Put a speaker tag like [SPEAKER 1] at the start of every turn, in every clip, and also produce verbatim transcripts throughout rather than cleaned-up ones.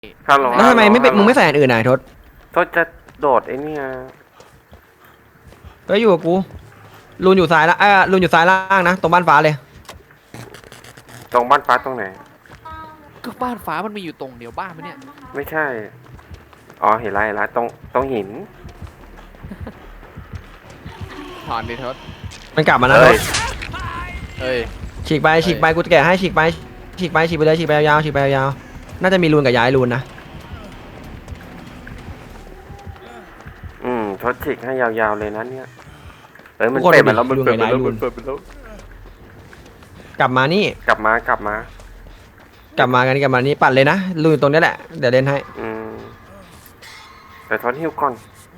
[SPEAKER 1] ฮัลโหล
[SPEAKER 2] แล้วทำไมไม่เป็นมึงไม่ใส่อันอื่นไหนทศ
[SPEAKER 1] ทศจะโดดไอ้นี่ย
[SPEAKER 2] ก็อยู่กับกูรูนอยู่ซ้ายละเออรูนอยู่ซ้ายล่างนะตรงบ้านฟ้าเลย
[SPEAKER 1] ตรงบ้านฟ้าตรงไหน
[SPEAKER 3] ก็บ้านฟ้ามันมีอยู่ตรงเดียวบ้านไหมเนี่ย
[SPEAKER 1] ไม่ใช่ อ๋อเห็นไรเห็นไรตรงตรงหิน
[SPEAKER 3] ถอนดิทศ
[SPEAKER 2] มันกลับมานะท
[SPEAKER 1] เฮ้ย
[SPEAKER 2] ศ
[SPEAKER 3] เอ้ย
[SPEAKER 2] ฉีกไปฉีกไปกูจะแกะให้ฉีกไปฉีกไปฉีกไปเลยฉีกไปยาวๆฉีกไปยาวๆน่าจะมีรูนกับย้ายรูนนะ
[SPEAKER 1] อืมทศฉีกให้ยาวๆเลยนะเนี่ยเอ้ยมันเปิดมาแล้วมันเปิดมาแล้วมันเปิดมาแล้ว
[SPEAKER 2] กลับมานี่
[SPEAKER 1] กลับมากลับมา
[SPEAKER 2] กลับมากันกลับมานี่ปัดเลยนะรูนตรงนี้แหละเดี๋ยวเล่นให้
[SPEAKER 1] อืมแต่ทศหิวก่อน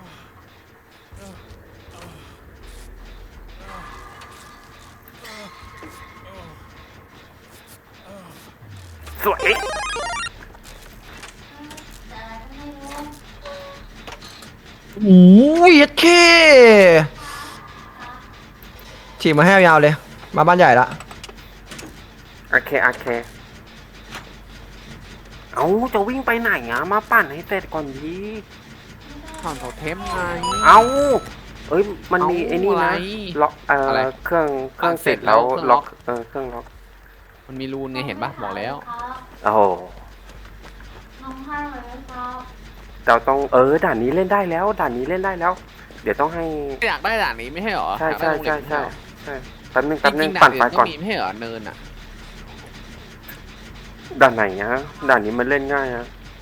[SPEAKER 1] สวย
[SPEAKER 2] โอ้ยเคฉีกมาให้ยาวๆเลย มาบ้านใหญ่ละ
[SPEAKER 1] โอเคโอเคเอาจะวิ่งไปไหนอ่ะมาปั่นให้เสร็จก่อนดี
[SPEAKER 3] ถอนโทเทมไง
[SPEAKER 1] เอาเอ้ยมันมี
[SPEAKER 3] เอา
[SPEAKER 1] ไอ้นี่นะ
[SPEAKER 3] อะไร
[SPEAKER 1] ล็อกเอ่ออะไร เครื่องเครื่องเสร็จแล้ว
[SPEAKER 3] เครื่องล็
[SPEAKER 1] ล็อ
[SPEAKER 3] อก ก
[SPEAKER 1] เออเครื่องล็อก
[SPEAKER 3] มันมีรูนไงเห็นปะบอกแล้ว
[SPEAKER 1] โอ้โหเราต้องเออด่านนี้เล่นได้แล้วด่านนี้เล่นได้แล้ว เดี๋ยวต้องให้
[SPEAKER 3] อยากได้ด่านนี้ไม่ใช่หรอ
[SPEAKER 1] ใช่
[SPEAKER 3] อยากได้
[SPEAKER 1] ใช่
[SPEAKER 3] ตรง
[SPEAKER 1] ใช่
[SPEAKER 3] นี้
[SPEAKER 1] ใช่
[SPEAKER 3] ไม่ใช่หรอ
[SPEAKER 1] ใช่แป๊บนึง
[SPEAKER 3] จ
[SPEAKER 1] แป๊บนึง
[SPEAKER 3] ริงๆด่า
[SPEAKER 1] ปั่
[SPEAKER 3] น
[SPEAKER 1] น
[SPEAKER 3] อื่
[SPEAKER 1] ไฟ
[SPEAKER 3] นก็
[SPEAKER 1] ก่อน
[SPEAKER 3] มีไม่ใช่เหรอเนินอ่ะ
[SPEAKER 1] ด่านไหนนะด่านนี้มันเล่นง่ายอะ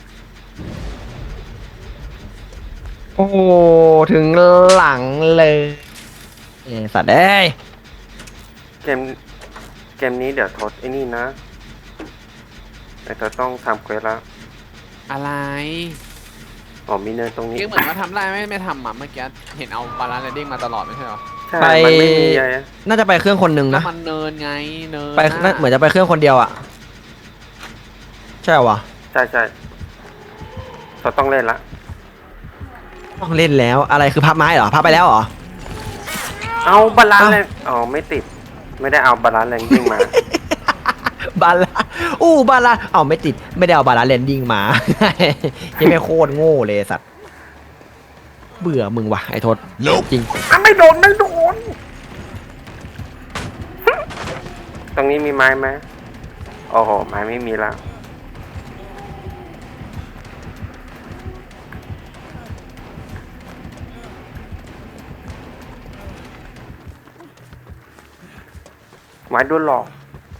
[SPEAKER 2] โอ้ถึงหลังเลยเอ้สัตว์เอ้ย
[SPEAKER 1] เกมเกมนี้เดี๋ยวทดไอ้นี่นะไอ้ทดต้องทำเควสแล้ว
[SPEAKER 3] อะไร
[SPEAKER 1] อ๋อมีเนินตรงนี้
[SPEAKER 3] เรียกเหมือนว่าทำได้ไม่ไม่ทำอ่ะเมื่อกี้เห็นเอาบาลานซ์เรดดิ้งมาตลอดไม่ใช่หรอ
[SPEAKER 1] ใช่มันไม่มีอะไร
[SPEAKER 2] น่าจะไปเครื่องคนหนึ่ง
[SPEAKER 3] ก็
[SPEAKER 2] นะ
[SPEAKER 3] มันเนินไงเนิน
[SPEAKER 2] ไปน่าเหมือนจะไปเครื่องคนเดียวอ่ะใช่วะ
[SPEAKER 1] ใช่ใช่ทดต้องเล่นละ
[SPEAKER 2] ต้องเล่นแล้วอะไรคือพับไม้เหรอพับไปแล้วเหรอ
[SPEAKER 1] เอาบาลานซ์
[SPEAKER 2] เอ้า
[SPEAKER 1] แรงอ๋อไม่ติด ไม่ได้เอาบาลานซ์แรงยิ่งมา
[SPEAKER 2] บาลาอู้บาลาเอาไม่ติดไม่ได้เอาบาลาแลนดิ้งมา ยังไม่โคตรโง่เลยสัตว์เบื่อมึงว่ะไอ้ทศจริง
[SPEAKER 1] อ่ะไม่โดนไม่โดน ตรงนี้มีไม้ไหมโอ้โหไม้ไม่มีแล้วไม้โดนหลอก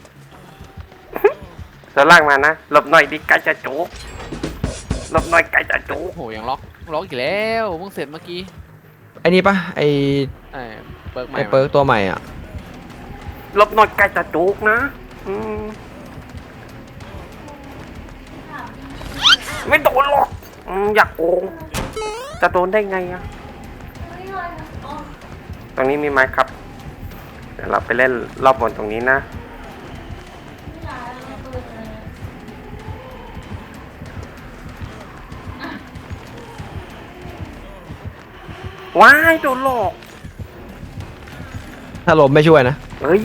[SPEAKER 1] จะลากมานะหลบหน่อยดิไก่จะจุกหลบหน่อยไก่จะจุก
[SPEAKER 3] โอ้โหยังล็อกล็อกอีกแล้วเพิ่งเสร็จเมื่อกี้
[SPEAKER 2] ไอ้นี่ปะไอ้
[SPEAKER 3] ไอ้เปิร์กใหม่
[SPEAKER 2] ไอ้เปิร์กตัวใหม่อ่ะ
[SPEAKER 1] หลบหน่อยไก่จะจุกนะอืมไม่โดนหรอกอืมอยากโกงจะโดนได้ไงอะตรงนี้มีไหมครับ เดี๋ยวเราไปเล่นรอบบนตรงนี้นะว้ายโดนหลอก
[SPEAKER 2] ถ้าลมไม่ช่วยนะ
[SPEAKER 1] เฮ้ย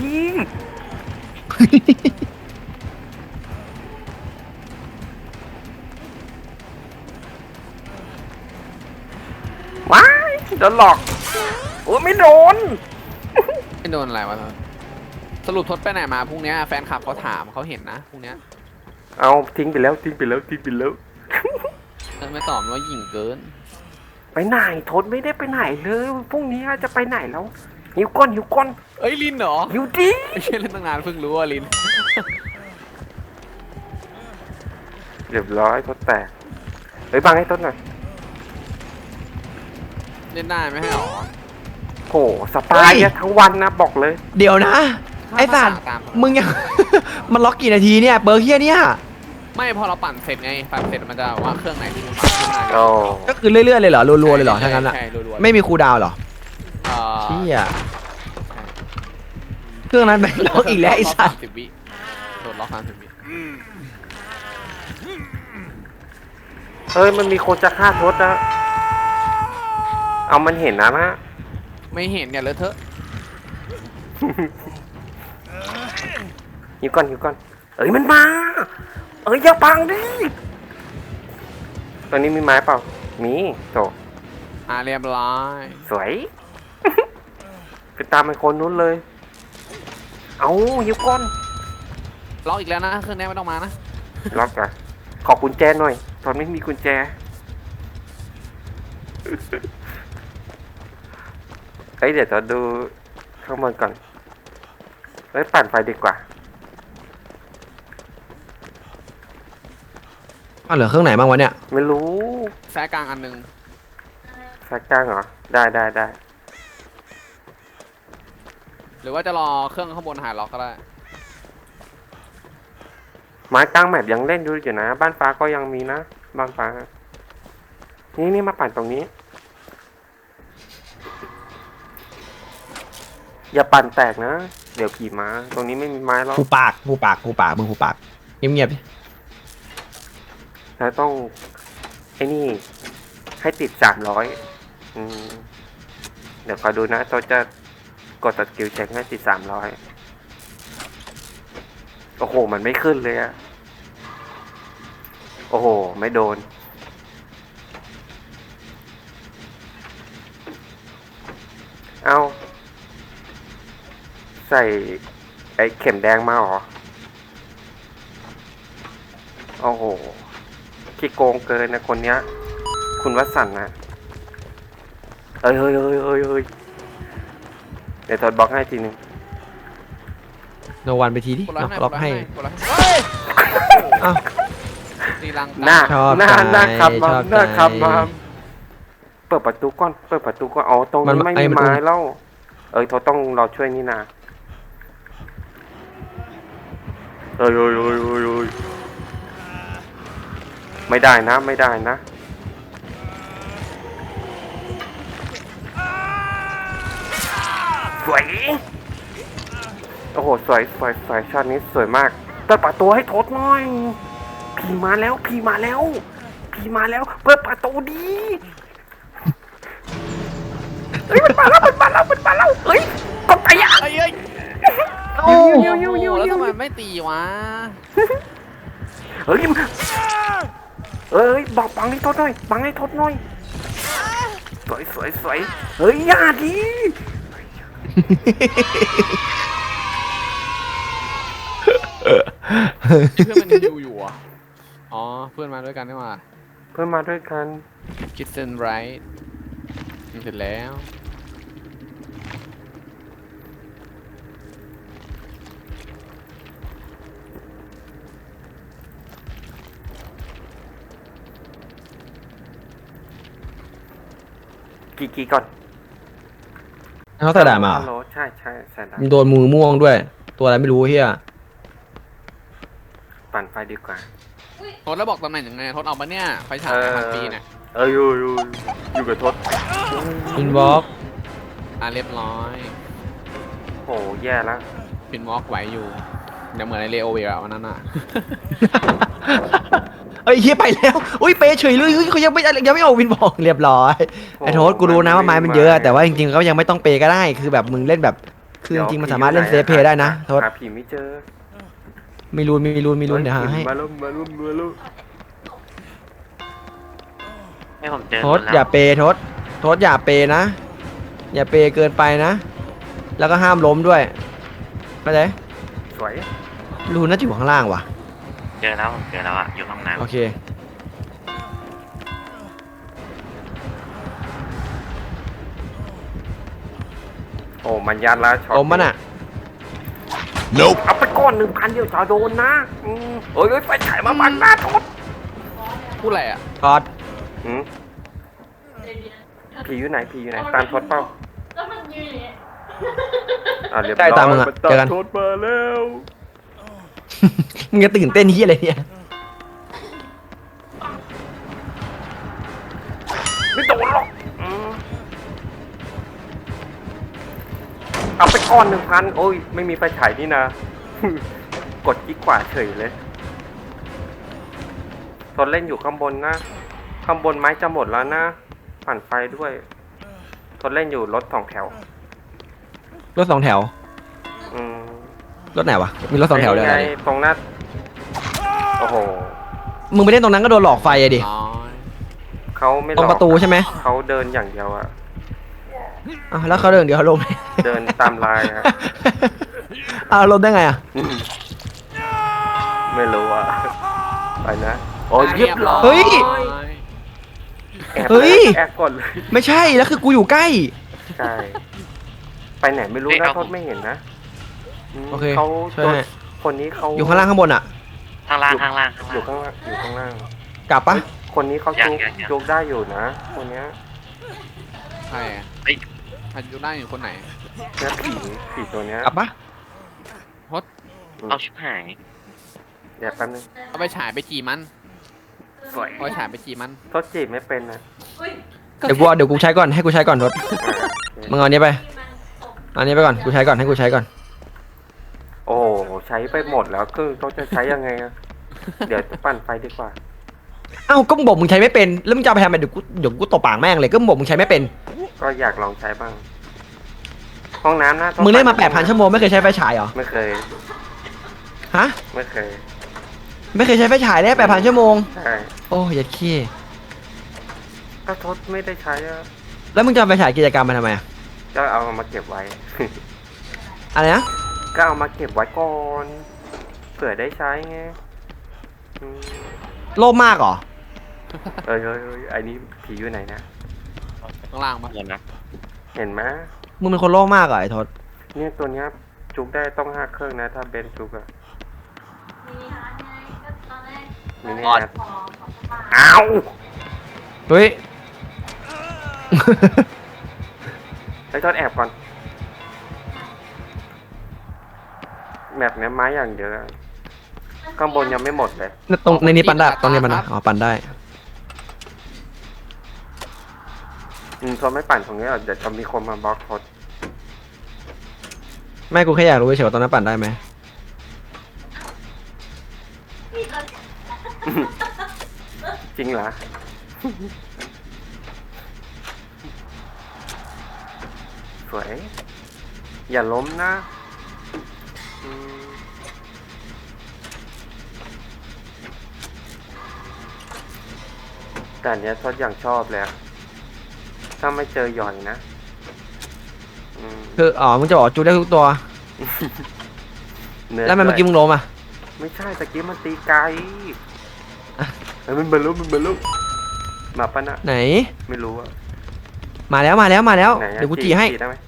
[SPEAKER 1] ว้ายโดนหลอกโอ้ไม่โดน
[SPEAKER 3] ไม่โดนอะไรวะทศสรุปทศไปไหนมาพรุ่งนี้แฟนคลับเขาถามเขาเห็นนะพรุ่งนี้
[SPEAKER 1] เอาทิ้งไปแล้วทิ้งไปแล้วทิ้งไปแล้ว
[SPEAKER 3] เออไม่ตอบว่าหยิ่งเกิน
[SPEAKER 1] ไปไหนทนไม่ได้ไปไหนเลยพรุ่งนี้จะไปไหนแล้วหิวก้อนหิวก้อน
[SPEAKER 3] เอ้ยลินเหรอ
[SPEAKER 1] หิวดิ
[SPEAKER 3] ไม่ใช่เล่นตั้งนานเพิ่งรู้ว่าลิน
[SPEAKER 1] เรียบร้อยทดแตกเฮ้ยบังให้ต้นหน่อย
[SPEAKER 3] เล่นได้ไม่ให้หรอ
[SPEAKER 1] โหสปายอะทั้งวันนะบอกเลย
[SPEAKER 2] เดี๋ยวนะไอ้สัตว์
[SPEAKER 3] ตาม
[SPEAKER 2] มึงยัง มันล็อกกี่นาทีเนี่ยเปิร์กเฮียเนี่ย
[SPEAKER 3] ไม่พอเราปั่นเสร็จไงปั่นเสร็จมันจะว่าเครื่องไหนที่มันปั่นขึ้นมา
[SPEAKER 1] โอ้
[SPEAKER 2] ก็คือเรื่อยๆเลยเหรอรัวๆเลยเหรอ
[SPEAKER 3] ใช่
[SPEAKER 2] ทั้งนั้นอ่ะ
[SPEAKER 3] ใช่รัวๆ
[SPEAKER 2] ไม่มีคูลดาวน์เหรอ
[SPEAKER 3] เอ่อ
[SPEAKER 2] เชี่ยเครื่องนั้นเป็นล็อกอีกแล้วไอ้สัตว์
[SPEAKER 3] สิบวิโดนล็อกสามสิบวิ
[SPEAKER 1] เฮ้ยมันมีคนจะฆ่าทศนะเอามันเห็นนะนะ
[SPEAKER 3] ไม่เห็นเนี่ยเลอะเทอะ
[SPEAKER 1] หิวก้อนหิวก้อนเอ้ยมันมาเอ้ยอย่าบังดิตอนนี้มีไม้เปล่ามีโต
[SPEAKER 3] อ่าเรียบร้อย
[SPEAKER 1] สวย ไปตามไอ้คนนู้นเลย เอาหิวก้อน
[SPEAKER 3] ล็อกอีกแล้วนะเครื่องนี้ไม่ต้องมานะ
[SPEAKER 1] ล็อกอะขอกุญแจหน่อย ตอนไม่มีกุญแจ เฮ้ยเดี๋ยวจะดูข้างบนก่อน เฮ้ยปั่นไฟดีกว่า
[SPEAKER 2] อ้าวเหลือเครื่องไหนบ้างวะเนี่ย
[SPEAKER 1] ไม่รู้
[SPEAKER 3] แซกกลางอันหนึง
[SPEAKER 1] สักจ้างเหรอ ได้ได้ได้
[SPEAKER 3] หรือว่าจะรอเครื่องข้างบนหายล็อกก็ได้
[SPEAKER 1] ไม้กลางแมปยังเล่นอยู่อยู่นะ บ้านฟ้าก็ยังมีนะ บ้านฟ้า นี่นี่มาปั่นตรงนี้ อย่าปั่นแตกนะ เดี๋ยวขี่ม้า ตรงนี้ไม่มีไม้แล้ว
[SPEAKER 2] หูปากหูปากหูปากมึงหูปากเงียบๆดิ
[SPEAKER 1] แล้วต้อง ไอ้นี่ ให้ติดสามร้อยอืม เดี๋ยวคอยดูนะตัวจะกดสกิลเช็คให้ติดสามร้อยโอ้โห มันไม่ขึ้นเลยอะโอ้โห ไม่โดน เอาใส่ไอ้เข็มแดงมาเหรอ โอ้โหขี้โกงเกินนะคนเนี้ย คุณวสันต์นะเอ้ยเฮ้ยเฮ้ยเฮ้ยเฮ้ยเดี๋ยวทดบล็อกให้ทีนึง
[SPEAKER 2] โนวันไปทีดิ
[SPEAKER 3] กดล็อก
[SPEAKER 2] ล็อก
[SPEAKER 3] ให้
[SPEAKER 2] ให้
[SPEAKER 3] กดล็อกให้เฮ้ย
[SPEAKER 2] อ้าว
[SPEAKER 3] ตีลัง
[SPEAKER 1] หน้า
[SPEAKER 2] ชอบ
[SPEAKER 1] หน้า
[SPEAKER 2] ใจ
[SPEAKER 1] หน้าขับมา
[SPEAKER 2] ชอบ
[SPEAKER 1] หน้าขับ
[SPEAKER 2] ใจ
[SPEAKER 1] มาเปิดประตูก่อน เปิดประตูก่อน อ๋อ ตรง
[SPEAKER 2] มัน
[SPEAKER 1] นี้ไม่
[SPEAKER 2] ไอ้
[SPEAKER 1] มี
[SPEAKER 2] มัน
[SPEAKER 1] ไม้แล้ว เอ้ยเขาต้องเราช่วยนี่นาเอ้ยเอ้ยเอ้ยเอ้ยเอ้ยไม่ได้นะ ไม่ได้นะ สวย โอ้โห สวย สวย สวยช็อตนี้สวยมากเปิดประตูให้ทดหน่อย พี่มาแล้ว พี่มาแล้ว พี่มาแล้ว เปิดประตูดีเฮ้ย มันมาแล้ว มันมาแล้ว มันมาแล้ว เฮ้ยกดไปอ่ะ
[SPEAKER 3] เอ้ยเอ้ย
[SPEAKER 2] โอ้
[SPEAKER 3] โอ้โหแล้วทำไมไม่ตีวะ
[SPEAKER 1] เฮ้ยเอ้ย บอกบังให้ทดหน่อย บังให้ทดหน่อย สวย สวย สวย เฮ้ย อย่าดี
[SPEAKER 3] เพื่อนมันยังอยู่อยู่อ่ะอ๋อเพื่อนมาด้วยกันนี่หว่า
[SPEAKER 1] เพื่อนมาด้วยกัน
[SPEAKER 3] คิดเซนไรท์เสร็จแล้ว
[SPEAKER 1] กี่กี่ก่อน
[SPEAKER 2] เขาใส่ด่ามาเหร
[SPEAKER 1] ฮัลโหล
[SPEAKER 2] อ
[SPEAKER 1] ใช่ใช่ใส่ด่า
[SPEAKER 2] มึงโดนมือม่วงด้วย ตัวอะไรไม่รู้เฮีย
[SPEAKER 1] ปั่นไฟดีกว่า
[SPEAKER 3] ทดแล้วบอกตำแหน่งยังไงทดเอาปะเนี่ยไฟฉาย
[SPEAKER 1] เออ
[SPEAKER 3] พันปีเนี่ย
[SPEAKER 1] เอออยู่อยู่อยู่กับทศ
[SPEAKER 2] อินวอล์ก
[SPEAKER 3] อ่ะเรียบร้อย
[SPEAKER 1] โห แย่แล้ว
[SPEAKER 3] พินวอล์กไหวอยู่เดี๋ยวเหมือนในเลโอเวลวันนั้นอ่ะ
[SPEAKER 2] เอ้ยเฮียไปแล้ว อุ้ยเปเฉยเลยเฮ้ยเขายังไม่ยังไม่ออกวินบอกเรียบร้อย ไอ้โทษกูรู้นะว่าไม้มันเยอะ แต่ว่าจริงๆเขายังไม่ต้องเปก็ได้ คือแบบมึงเล่นแบบ คือจริงๆมันสามารถเล่นเซฟเพย์ได้นะโทษ
[SPEAKER 1] หาผีไม่เจอ
[SPEAKER 2] มีรูนมีรูนมีรูนเดี๋ยวหาให้
[SPEAKER 1] มาลุ้มมาลุ้มมาลุ้ม
[SPEAKER 4] ให้ผมเจอ
[SPEAKER 2] โทษ
[SPEAKER 4] คนแล้ว
[SPEAKER 2] อย่าเปโทษโทษอย่าเปนะ อย่าเปเกินไปนะ แล้วก็ห้ามล้มด้วยเข้าใจ
[SPEAKER 1] สวย
[SPEAKER 2] รูนน่าจะอยู่ข้างล่างว่ะ
[SPEAKER 4] เจอแล้วผมเจอแล้วอ่ะ อยู่ห้องน้
[SPEAKER 2] โอเค
[SPEAKER 1] โอ้มันยันแล้วช็อต
[SPEAKER 2] ล้มมันอ่ะ
[SPEAKER 1] เอาไปก้อนหนึ่งพันเดียวจะโดนนะอืมเอ้ยเอ้ยไฟฉายมาบังหน้าทศ
[SPEAKER 3] พูดอะไรอ่ะ
[SPEAKER 2] กอด
[SPEAKER 1] อืมผีอยู่ไหนผีอยู่ไหนตามทศเปล่า
[SPEAKER 5] แล้วมันยืนอย่างเงี้ย
[SPEAKER 1] อ่าเรียบ
[SPEAKER 2] ใกล้
[SPEAKER 1] ร้อย
[SPEAKER 2] ตามมึงอะ
[SPEAKER 1] มัน
[SPEAKER 2] เจอกัน
[SPEAKER 1] ทศมาแล้ว
[SPEAKER 2] มึงจะตื่นเต้นที่อะไรเนี่ย
[SPEAKER 1] ไม่โดนหรอกอืมเอาไปก้อนหนึ่งพันโอ้ยไม่มีไฟฉายนี่นะ กดกิ๊กขวาเฉยเลยทนเล่นอยู่ข้างบนนะ ข้างบนไม้จะหมดแล้วนะปั่นไฟด้วยทนเล่นอยู่รถสองแถว
[SPEAKER 2] รถสองแถว
[SPEAKER 1] อืม
[SPEAKER 2] รถไหนวะ มีรถสองแถวเลย
[SPEAKER 1] ไง
[SPEAKER 2] อะไร
[SPEAKER 1] ตรงหน้าโอ้โห
[SPEAKER 2] มึงไปเล่นตรงนั้นก็โดนหลอกไฟอะดิ
[SPEAKER 3] ร้อย
[SPEAKER 1] เขาไม่ห
[SPEAKER 2] ต
[SPEAKER 1] ล
[SPEAKER 2] ร
[SPEAKER 1] อง ก
[SPEAKER 2] ประตูใช่ไหม
[SPEAKER 1] เขาเดินอย่างเดียวอะ
[SPEAKER 2] อ้าวแล้วเขาเดินเดี๋ยวเขาลม
[SPEAKER 1] เดินตามลายอะ
[SPEAKER 2] อ้าวลมได้ไงอ่ะ
[SPEAKER 1] อืมไม่รู้อะไปนะโอ้ยเรียบร้อย
[SPEAKER 2] เฮ้ย
[SPEAKER 1] แอบ
[SPEAKER 2] เฮ้ย
[SPEAKER 1] แอบก่อนเลย
[SPEAKER 2] ไม่ใช่แล้วคือกูอยู่ใกล้
[SPEAKER 1] ใช่ไปไหนไม่รู้นะโทษไม่เห็นนะม
[SPEAKER 2] โอเค
[SPEAKER 1] เขา
[SPEAKER 2] ช่วย
[SPEAKER 1] ตัว
[SPEAKER 2] ให้
[SPEAKER 1] คนนี้เขา
[SPEAKER 2] อยู่ข้างล่างข้างบนอ่ะ
[SPEAKER 4] ข้างล่างข้างล่างข้าง
[SPEAKER 1] อยู่
[SPEAKER 4] ล่าง
[SPEAKER 1] ข้างล่างอยู่ข้างล่าง
[SPEAKER 2] กลับปะ
[SPEAKER 1] คนนี้เขา
[SPEAKER 4] ยัง
[SPEAKER 1] จุก
[SPEAKER 4] ยังยัง
[SPEAKER 1] จุกได้อยู่นะคนเนี้ย
[SPEAKER 3] ใครอะ
[SPEAKER 4] เฮ้ย
[SPEAKER 3] ใครอยู่ได้อยู่คนไหน
[SPEAKER 1] เนี้ยผีผีตัวเนี้ย
[SPEAKER 2] กลับปะ
[SPEAKER 4] เอาชิบหาย
[SPEAKER 1] เดี๋ยวแป๊บนึง
[SPEAKER 3] เอาไปฉายไปจีมัน
[SPEAKER 1] สวย
[SPEAKER 3] เอาไปฉายไปจีมัน
[SPEAKER 1] โทษจีบไม่เป็นนะ
[SPEAKER 2] เดี๋ยวกูเอาเดี๋ยวกูใช้ก่อนให้กูใช้ก่อนทศ
[SPEAKER 1] อ่าโอเค
[SPEAKER 2] มึงเอาอันนี้ไปเอาอันนี้ไปก่อนกูใช้ก่อนให้กูใช้ก่อน
[SPEAKER 1] โอ้โหใช้ไปหมดแล้วคือต้องจะใช้ยังไงอะเดี๋ยวปั่นไฟดีกว่า
[SPEAKER 2] เอ้าก็มึงบอกมึงใช้ไม่เป็นแล้วมึงจะเอาไปทำไมเดี๋ยวกูเดี๋ยวกูตบปากแม่งเลยก็มึงบอกมึงใช้ไม่เป็น
[SPEAKER 1] ก็อยากลองใช้บ้าง ห้องน้ำนะต้อง
[SPEAKER 2] มึงเล่นมา
[SPEAKER 1] ปั่
[SPEAKER 2] แปดพันชั่วโมงไม่เคยใช้ไฟฉายเหรอ
[SPEAKER 1] ไม่เคย
[SPEAKER 2] ฮะ
[SPEAKER 1] ไม่เคย
[SPEAKER 2] ไม่เคยใช้ไฟฉายเลยแปดพันชั่วโมง
[SPEAKER 1] ใช่
[SPEAKER 2] โอ้ยยัดขี้
[SPEAKER 1] ก็ทดไม่ได้ใช้อะ
[SPEAKER 2] แล้วมึงจะเอาไฟฉายกิจกรรมมาทำไมอะ
[SPEAKER 1] ก็เอามาเก็บไว้
[SPEAKER 2] อะไรนะ
[SPEAKER 1] ก็เอามาเก็บไว้ก่อนเผื่อได้ใช้ไงอืม
[SPEAKER 2] โลภมากเหรอ
[SPEAKER 1] เอ้ยเอ้ยเอ้ยไอ้นี่ผีอยู่ไหนนะ
[SPEAKER 3] ข้างล่างปะ
[SPEAKER 4] เดี๋ยวนะ
[SPEAKER 1] เห็นไหม
[SPEAKER 2] มึงเป็นคนโลภมากเหรอไอ้ทศ
[SPEAKER 1] เนี่ยตัวเนี้ยจุกได้ต้องห้าเครื่องนะ ถ้าเบนจุกอะนี่เนี่ยนะอ้าว
[SPEAKER 2] เฮ้ย
[SPEAKER 1] ไอ้ทอดแอบก่อนแมปเนี้ยไม้อย่างเยอะข้างบนยังไม่หมดเลย
[SPEAKER 2] ตรงในนี้ปันได้ตรงนี้ปันได้อ๋อปันได้
[SPEAKER 1] อืมทนไม่ปั่นตรงนี้หรอกเดี๋ยวจะมีคนมาบล็อกทด
[SPEAKER 2] ไม่กูแค่อยากรู้เฉยๆว่าตรงนั้นปั่นได้ไหม
[SPEAKER 1] จริงเหรอ สวย อย่าล้มนะอืมแต่อันเนี้ยทดอย่างชอบเลยอะถ้าไม่เจอหย่อยนะอืม
[SPEAKER 2] คืออ๋อมึงจะบอกว่าจูได้ทุกตัว
[SPEAKER 1] นื้
[SPEAKER 2] แล้วทำไมเมื่อกี้มึงล้มอ่ะ
[SPEAKER 1] ไม่ใช่ตะกี้มันตีไกลเอ้ยมันบรรลุมันบรรลุมาปะนะ
[SPEAKER 2] ไหน
[SPEAKER 1] ไม่รู้อะ
[SPEAKER 2] มาแล้วมาแล้วมาแล้ว
[SPEAKER 1] ไหนอะ
[SPEAKER 2] เดี๋ยวกูจีให้
[SPEAKER 1] ได้ไหม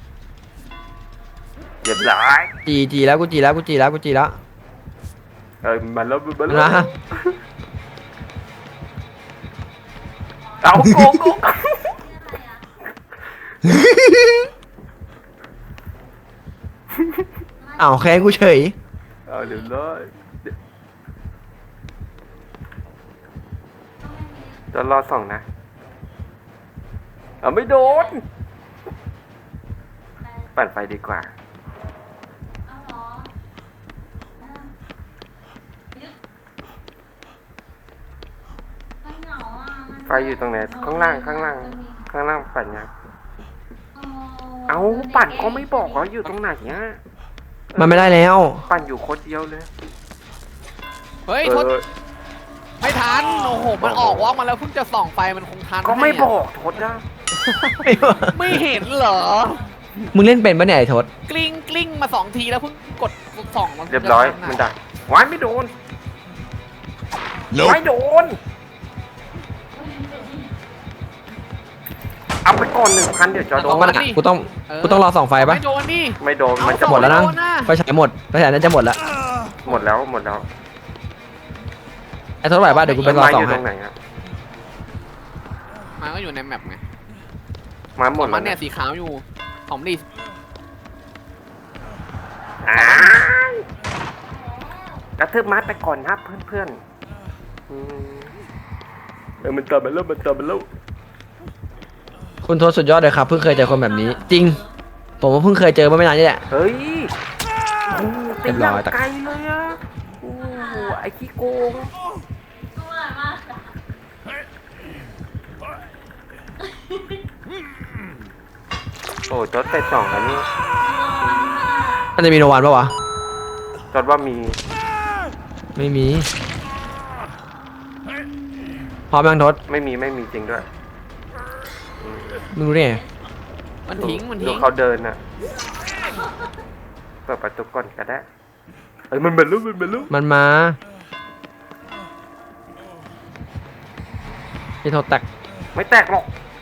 [SPEAKER 1] เรียบร้อย
[SPEAKER 2] จีจีแล้วกูจีแล้วกูจีแล้วกูจีแล้ว
[SPEAKER 1] เออมันแล้วมันแล้ว
[SPEAKER 2] นะ
[SPEAKER 1] เอาโกงโกง
[SPEAKER 2] อ้าวแค้นกูเฉย
[SPEAKER 1] เอาเดี๋ยวเลยจะรอส่องนะเอาไม่โดนปั่นไฟดีกว่า ไฟอยู่ตรงไหนข้างล่างข้างล่างข้างล่างปั่นยังเอาปั่นก็ไม่บอกว่าอยู่ตรงไหนเนี้ย
[SPEAKER 2] มันไม่ได้แล้ว
[SPEAKER 1] ปั่นอยู่คนเดียวเลย
[SPEAKER 3] เฮ้ย
[SPEAKER 1] เอ
[SPEAKER 3] ทด
[SPEAKER 1] อ
[SPEAKER 3] ไม่ทันโอ้โหมันออกวอล์กมาแล้วเพิ่งจะส่องไฟมันคงทัน
[SPEAKER 1] ก็ไม่
[SPEAKER 3] ให้ะ
[SPEAKER 1] บอกทดนะ
[SPEAKER 3] ไม่เห็นเหรอ
[SPEAKER 2] มึงเล่นเป็นปะเนี่ยไอ้ทศ
[SPEAKER 3] กลิ้งกลิ้งมาสองทีแล้วเพิ่งกดส่องมัน
[SPEAKER 1] เรียบร้อย
[SPEAKER 3] จะทัะ
[SPEAKER 1] มันดักวายไม่โดนไม่โดนเอาไปก่อนหนึ่งพันเดี๋ยวจะโด
[SPEAKER 2] ต้อง
[SPEAKER 1] น
[SPEAKER 2] มันอะกูต้องกูต้องรอส่องไฟปะ
[SPEAKER 3] ไม่โดนนี่
[SPEAKER 1] ไม่โดนมันจะ
[SPEAKER 2] หมดแล้วนะ
[SPEAKER 3] โดนนะ
[SPEAKER 2] ไฟฉายหมดไฟฉายน่าจะหมดแล้ว
[SPEAKER 1] หมดแล้วหมดแล้ว
[SPEAKER 2] ไอ้ทศไหวปะเดี๋ยวกูไปรอ
[SPEAKER 1] ไม้
[SPEAKER 2] ส่
[SPEAKER 1] อ
[SPEAKER 2] อง
[SPEAKER 1] ยู่ต
[SPEAKER 2] ให้
[SPEAKER 1] รงไหนอะ
[SPEAKER 3] มันก็อยู่ในแมปไง
[SPEAKER 1] ไม้หมด
[SPEAKER 3] มั
[SPEAKER 1] แล้ว
[SPEAKER 3] นเนี่ย
[SPEAKER 1] นะ
[SPEAKER 3] สีขาวอยู่ของดิ
[SPEAKER 1] อ้ายกระทืบไม้ไปก่อนนะเพื่อนๆอืมเออมันตามไปแล้วมันตามไปแล้ว
[SPEAKER 2] คุณทศสุดยอดเลยครับเพิ่งเคยเจอคนแบบนี้ จริง ผมว่าเพิ่งเคยเจอเมื่อไม่นานนี่แหละ
[SPEAKER 1] เฮ้ยโอ้
[SPEAKER 2] เรียบร้อย
[SPEAKER 1] ตีางไกลเลยอะโอ้ไอ้ขี้โกงโอ้จดไปสองแล้วนี่
[SPEAKER 2] มันจะมีโนวันปะวะ
[SPEAKER 1] จดว่ามี
[SPEAKER 2] ไม่มีพร้อมยังทศ
[SPEAKER 1] ไม่มีไม่มีจริงด้วยอืม
[SPEAKER 2] มึงรู้ได้ไง
[SPEAKER 3] มันทิ้งมัน
[SPEAKER 1] ดู
[SPEAKER 3] ทิ้ง
[SPEAKER 1] เขาเดินน่ะเปิดประตูก่อนก็ได้เอ้ยมันเป็นลูกมันเป็นลูก
[SPEAKER 2] มันมาไอ้ทศแตก
[SPEAKER 1] ไม่แตกหรอก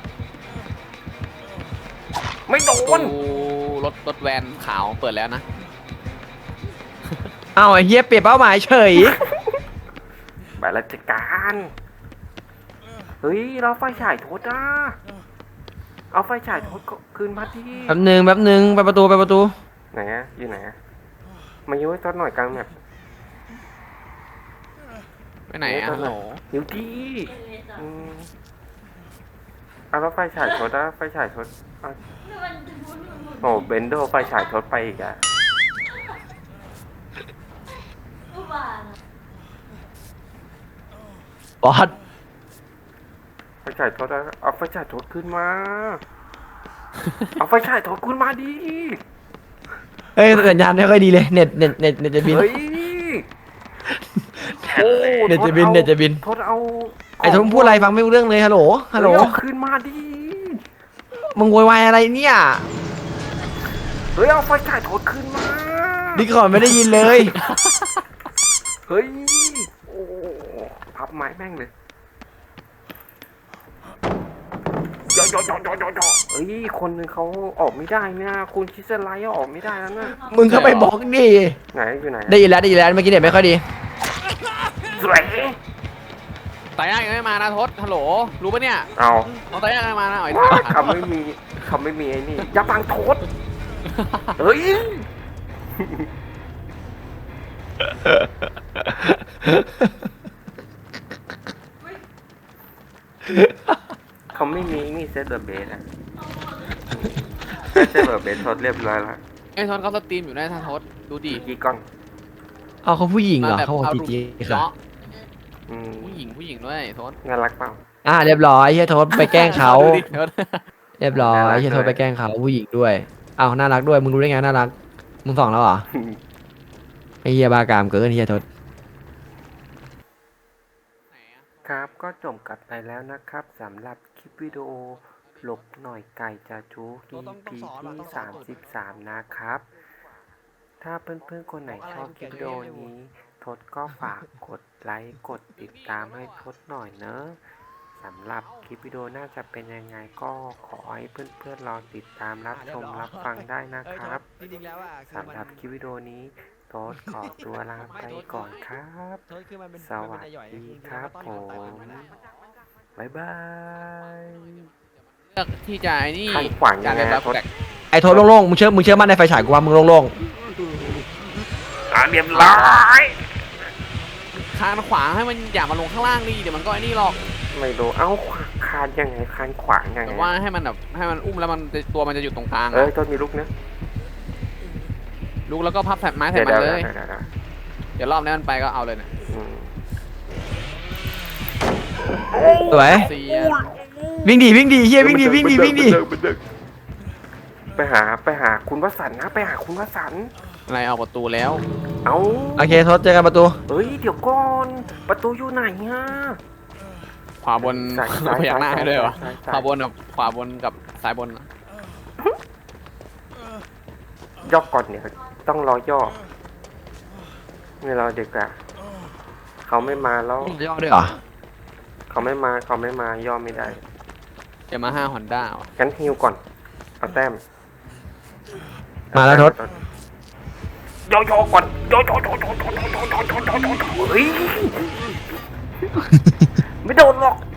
[SPEAKER 1] ไม่โด
[SPEAKER 3] ประ
[SPEAKER 1] น
[SPEAKER 3] ตูรถรถแวนขาวเปิดแล้วนะ
[SPEAKER 2] อ้าวไอ้เฮียเปลี่ยนเป้าหมายเฉย
[SPEAKER 1] ไปราชการเฮ้ยเราไฟฉายโทษนะเอาไฟฉายโทษคืนมาที่
[SPEAKER 2] แป๊บหนึงแป๊บหนึงไปประตูไปประตู
[SPEAKER 1] ไหนอะอยู่ไหนอะมายุ่ยทอดหน่อยกลางแบบ
[SPEAKER 3] ไปไหนอ่ะฮัลโหล
[SPEAKER 1] อยู่ที่อืมเอาแล้วไฟฉายโทษนะไฟฉายโทษเอาโอ้เบนโดไฟฉายโทษไปอีกอะ
[SPEAKER 2] บอส
[SPEAKER 1] ไฟฉายโทษนะเอาไฟฉายโทษขึ้นมา เอาไฟฉายโทษขึ้นมาดิ
[SPEAKER 2] เฮ้ยสัญญาณไม่ค่อยดีเลยเน็ตเน็ตเน็ตเน็ตจะบิน
[SPEAKER 1] เฮ้ย
[SPEAKER 4] แผ่นเลย
[SPEAKER 2] เน็ตจะบินเน็ตจะบิน
[SPEAKER 1] โทษเอา
[SPEAKER 2] ไอ้ทศมึงพูดอะไรฟังไม่รู้เรื่องเลยฮัลโหลฮัลโหล
[SPEAKER 1] เฮ้ยเอาขึ้นมาดิ
[SPEAKER 2] มึงโวยวายอะไรเนี่ย
[SPEAKER 1] เฮ้ยเอาไฟฉายโทษขึ้นมา
[SPEAKER 2] ดิคอนไม่ได้ยินเลย
[SPEAKER 1] เฮ้ยโอ้พับไม้แม่งเลยยอยอยอยอยอเฮ้ยคนหนึ่งเขาออกไม่ได้เนี่ยคุณคิดอะไรออกไม่ได้แล้วนะ
[SPEAKER 2] มึงเข้าไปบล็อกดิ
[SPEAKER 1] ไหนอยู่ไหน
[SPEAKER 2] ได้ยินแล้วได้ยินแล้วเมื่อกี้เน็ตไม่ค่อยดี
[SPEAKER 1] สวย
[SPEAKER 3] ตายยากยังไม่มานะทศฮัลโหลรู้ปะเนี่ย
[SPEAKER 1] เอา
[SPEAKER 3] เอาตายยากยังไม่มานะเอาไอ้
[SPEAKER 1] ว้า
[SPEAKER 3] ทาง
[SPEAKER 1] เขาไม่มีเขาไม่มีไอ้นี่อย่าบังโทษเฮ้ยเขาไม่มีนี่เซตเดอร์เบสอะเซตเดอร์เบสทดเรียบร้อยแล้ว
[SPEAKER 3] ไอ้ทศเขาสตรีมอยู่นะทางทศดูดิ
[SPEAKER 1] กี่กล้อง
[SPEAKER 2] เอาเขาผู้หญิงเหรอ
[SPEAKER 3] แบบ
[SPEAKER 2] เขาบอก
[SPEAKER 3] เอา
[SPEAKER 2] จี
[SPEAKER 3] รูป
[SPEAKER 2] จีค่ะ
[SPEAKER 3] เนาะ
[SPEAKER 1] อืม
[SPEAKER 3] ผู้หญิงผู้หญิงด้วยทศ
[SPEAKER 1] น่ารักเปล่า
[SPEAKER 2] อ่าเรียบร้อยเฮียโทษไปแกล้งเขา
[SPEAKER 3] ดูดิทศ
[SPEAKER 2] เรียบร้อย
[SPEAKER 1] น่ารัก
[SPEAKER 2] เฮียโทษ
[SPEAKER 1] ด้วย
[SPEAKER 2] ไปแกล้งเขาผู้หญิงด้วยอ้าวน่ารักด้วยมึงรู้ได้ไงน่ารักมึงส่องแล้วเหรอไอ้เฮียบากามเกินเฮียโทษ
[SPEAKER 1] ครับก็จบกันไปแล้วนะครับสำหรับคลิปวิดีโอหลบหน่อยไก่จะจู อี พี ที่สามสิบสามนะครับ ถ้าเพื่อนๆคนไหนชอบคลิปวิดีโอนี้ทศก็ฝากกดไลค์กดติดตามให้ทศหน่อยเนอะสำหรับคลิปวิดีโอน่าจะเป็นยังไงก็ขอให้เพื่อนๆรอติดตามรับชมรับฟังได้นะครับสำหรับคลิปวิดีโอนี้ทศขอตัวลาไปก่อนครับ สวัสดีครับผมบ๊ายบาย
[SPEAKER 3] เลือกที่จะไอ้นี่
[SPEAKER 1] ขันขวางยังไง
[SPEAKER 3] การ
[SPEAKER 1] อะ
[SPEAKER 3] แบบ
[SPEAKER 1] ทศ
[SPEAKER 3] แตก
[SPEAKER 2] ไอ้โทษโล่งๆมึงเชื่อมึงเชื่อมั่นในไฟฉายกูว่ามึงโล่ง
[SPEAKER 1] อ่ะเรียบร้อย
[SPEAKER 3] คานขวางให้มันอย่ามาลงข้างล่างดิเดี๋ยวมันก็ไอ้นี่หรอก
[SPEAKER 1] ไม่รู้เอ้าคานยังไงคานขวางยังไง
[SPEAKER 3] แต่ว่าให้มันแบบให้มันอุ้มแล้วมันจะตัวมันจะอยู่ตรงกลาง
[SPEAKER 1] เอ้ย
[SPEAKER 3] อะ
[SPEAKER 1] ต้นมีลูกนะ
[SPEAKER 3] ลุกแล้วก็พับแผ่นไม้ใส่
[SPEAKER 1] เดี๋ยว
[SPEAKER 3] มัน
[SPEAKER 1] เดี๋ยว
[SPEAKER 3] เลย
[SPEAKER 1] เดี๋ยวเดี๋ยวเดี๋ยว
[SPEAKER 3] เดี๋ยวรอบนี้มันไปก็เอาเลยเนี่ย
[SPEAKER 1] อืม
[SPEAKER 2] ๆสวย
[SPEAKER 3] เสีย
[SPEAKER 2] วิ่งดีวิ่งดีเฮียวิ่งดีวิ่งดีวิ่งดี
[SPEAKER 1] ไปหาไปหาคุณวสันต์นะไปหาคุณวสันต์
[SPEAKER 3] อะไรเอาประตูแล้ว
[SPEAKER 1] เอ้า
[SPEAKER 2] โอเคโทษเจอกันประตู
[SPEAKER 1] เฮ้ยเดี๋ยวก่อนประตูอยู่ไหนฮะ
[SPEAKER 3] ขวาบน
[SPEAKER 1] ซ้ายซ้าย
[SPEAKER 3] พยักหน้าให้ด้วยวะ
[SPEAKER 1] ซ้ายซ้าย
[SPEAKER 3] ขวาบนกับขวาบนกับซ้ายบน
[SPEAKER 1] ย่อก่อนเนี่ยต้องรอย่อไม่รอเด็กอะเขาไม่มาแล้ว
[SPEAKER 2] ย่อด้วยเหรอ
[SPEAKER 1] เขาไม่มาเขาไม่มาย่อไม่ได้
[SPEAKER 3] เดี๋ยวมาห้าฮอนด้า
[SPEAKER 1] งั้นฮิวก่อนเอาแต้ม
[SPEAKER 2] มาแล้วทศ
[SPEAKER 1] ย่อย่อก่อนย่อย่อย่อย่อย่อย่อย่อย่อย่อเฮ้ยไม่โดนหรอก